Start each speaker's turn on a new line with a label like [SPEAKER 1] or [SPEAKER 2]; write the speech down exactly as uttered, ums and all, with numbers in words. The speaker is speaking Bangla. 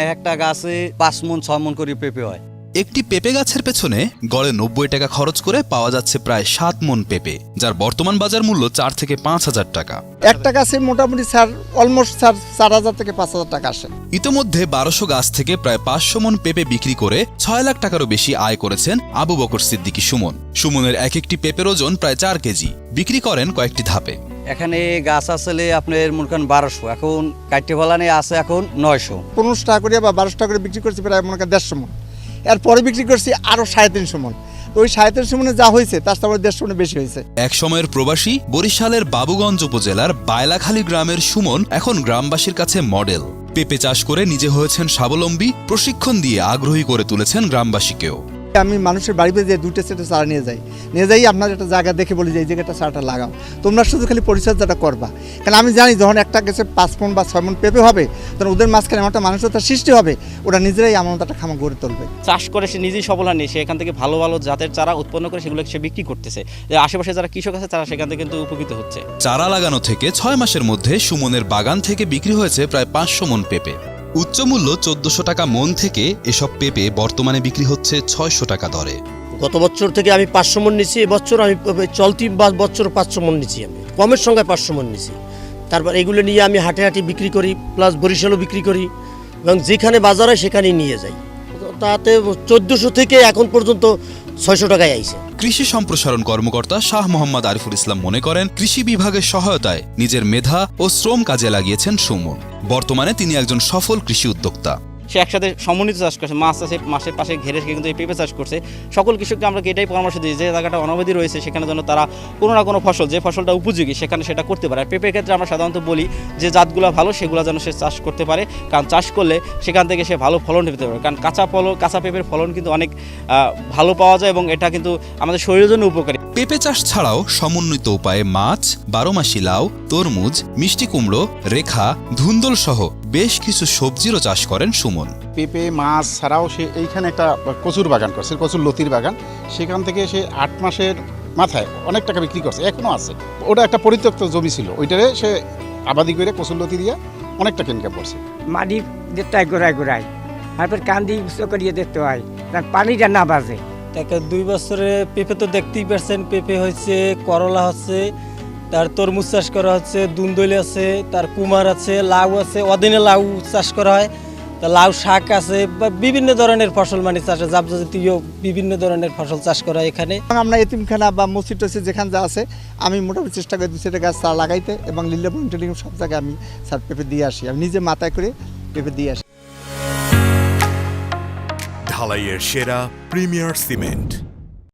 [SPEAKER 1] একটা গাছে পাঁচ মন ছয় মন করে পেঁপে হয়।
[SPEAKER 2] একটি পেঁপে গাছের পেছনে গড়ে নব্বই টাকা খরচ করে পাওয়া যাচ্ছে প্রায় সাত মন পেঁপে, যার বর্তমান বাজার মূল্য চার থেকে পাঁচ হাজার টাকা।
[SPEAKER 3] একটা গাছে মোটামুটি স্যার অলমোস্ট স্যার চার হাজার থেকে পাঁচ হাজার টাকা আসে।
[SPEAKER 2] ইতোমধ্যে বারোশো গাছ থেকে প্রায় পাঁচশো মন পেঁপে বিক্রি করে ছয় লাখ টাকারও বেশি আয় করেছেন আবু বকর সিদ্দিকী সুমন। সুমনের এক একটি পেঁপের ওজন প্রায় চার কেজি, বিক্রি করেন কয়েকটি ধাপে।
[SPEAKER 1] এখানে গাছ আসলে আপনার মনে করেন বারোশো, এখন কাটতে ফলানে আছে এখন নয়শো।
[SPEAKER 3] পনেরোশো টাকা করে বা বারোশো টাকা করে বিক্রি করছি প্রায় মনে করেন দেড়শো মন, এরপরে বিক্রি করছি আরও সাড়ে তিনশো মন। তো ওই সাড়ে তিনশো মনে যা হয়েছে তার সাথে দেড়শো মনে বেশি হয়েছে।
[SPEAKER 2] এক সময়ের প্রবাসী বরিশালের বাবুগঞ্জ উপজেলার বায়লাখালী গ্রামের সুমন এখন গ্রামবাসীর কাছে মডেল। পেঁপে চাষ করে নিজে হয়েছেন স্বাবলম্বী, প্রশিক্ষণ দিয়ে আগ্রহী করে তুলেছেন গ্রামবাসীকেও।
[SPEAKER 3] আমি মানুষের বাড়িতে যে দুটো সেটে চারা নিয়ে যাই, নিয়ে যাই আপনার একটা জায়গা দেখে বলি যে এই জায়গাটা চারাটা লাগাও, তোমরা শুধু খালি পরিচর্যাটা করবা। কারণ আমি জানি যখন একটা গাছে পাঁচ মন বা ছয় মন পেঁপে হবে, তখন ওদের মাঝখানে এমন একটা মানুষতার সৃষ্টি হবে, ওরা নিজেরাই এমন একটা খামা গড়ে তুলবে।
[SPEAKER 4] চাষ করে সে নিজেই সবলা নিয়ে সে এখান থেকে ভালো ভালো জাতের চারা উৎপন্ন করে সেগুলো সে বিক্রি করতেছে। যে আশেপাশে যারা কৃষক আছে তারা সেখান থেকে কিন্তু উপকৃত হচ্ছে।
[SPEAKER 2] চারা লাগানো থেকে ছয় মাসের মধ্যে সুমনের বাগান থেকে বিক্রি হয়েছে প্রায় পাঁচশো মন পেঁপে। উচ্চ মূল্য চোদ্দশো টাকা মন থেকে এসব পেঁপে বর্তমানে বিক্রি হচ্ছে ছয়শো টাকা দরে।
[SPEAKER 5] গত বছর থেকে আমি পাঁচশো মন নিচ্ছি, এবছর আমি চলতি বছর পাঁচশো মন নিচ্ছি, আমি কমের সঙ্গে পাঁচশো মন নিচ্ছি। তারপর এগুলো নিয়ে আমি হাটে হাটে বিক্রি করি, প্লাস বরিশালও বিক্রি করি, এবং যেখানে বাজার হয় সেখানেই নিয়ে যাই। তাতে চোদ্দোশো থেকে এখন পর্যন্ত ছয়শো টাকায় আইছে।
[SPEAKER 2] কৃষি সম্প্রসারণ কর্মকর্তা শাহ মোহাম্মদ আরিফুল ইসলাম মনে করেন, কৃষি বিভাগের সহায়তায় নিজের মেধা ও শ্রম কাজে লাগিয়েছেন সুমন। বর্তমানে তিনি একজন সফল কৃষি উদ্যোক্তা।
[SPEAKER 4] সে একসাথে সমন্বিত চাষ করছে, মাছ চাষে মাসের পাশে ঘেরে কিন্তু এই পেঁপে চাষ করছে। সকল কৃষককে আমরা এটাই পরামর্শ দিই যে জায়গাটা অনাবাদি রয়েছে সেখানে যেন তারা কোনো না কোনো ফসল, যে ফসলটা উপযোগী সেখানে সেটা করতে পারে। আর পেঁপের ক্ষেত্রে আমরা সাধারণত বলি যে জাতগুলো ভালো সেগুলো যেন সে চাষ করতে পারে, কারণ চাষ করলে সেখান থেকে সে ভালো ফলন পেতে পারে। কারণ কাঁচা ফলন কাঁচা পেঁপের ফলন কিন্তু অনেক ভালো পাওয়া যায় এবং এটা কিন্তু আমাদের শরীরের জন্য উপকারী।
[SPEAKER 2] পেঁপে চাষ ছাড়াও সমন্বিত উপায়ে মাছ, বারোমাসি লাউ, তরমুজ, মিষ্টি কুমড়ো, রেখা, ধুন্দল সহ বেশ কিছু সবজিরও চাষ করেন সুমন।
[SPEAKER 6] পেঁপে মাছ ছাড়াও সে এইখানে একটা কচুর বাগান করছে, কচুর লতির বাগান। সেখান থেকে সে আট মাসের মাথায় অনেক টাকা বিক্রি করছে, এখনও আছে। ওটা একটা পরিত্যক্ত জমি ছিল, ওইটারে সে আবাদি করে কচুর লতি দিয়ে অনেক টাকা ইনকাম করছে।
[SPEAKER 7] মাটি দেখতে হয় গোড়ায় গোড়ায়, তারপর কান্দি উঁচু করিয়ে দেখতে হয়, তার পানিটা না বাজে।
[SPEAKER 8] তাকে দুই বছরে পেঁপে তো দেখতেই পারছেন, পেঁপে হচ্ছে, করলা হচ্ছে, তার তরমুজ চাষ করা হচ্ছে, দুন্দলি আছে, তার কুমার আছে, লাউ আছে, অদিনে লাউ চাষ করা হয়, তা লাউ শাক আছে, বা বিভিন্ন ধরনের ফসল মানে চাষ, জাতীয় বিভিন্ন ধরনের ফসল চাষ করা হয় এখানে।
[SPEAKER 3] আমরা এতিমখানা বা মসজিদ টসিদ যেখানে যা আছে আমি মোটামুটি চেষ্টা করি দু চারটা গাছ চারা লাগাইতে, এবং লিল্লাপুর টেলিগ্রাম সব জায়গায় আমি স্যার পেঁপে দিয়ে আসি, আমি নিজে মাথায় করে পেঁপে দিয়ে আসি।
[SPEAKER 9] ঢালাইয়ের সেরা প্রিমিয়ার সিমেন্ট।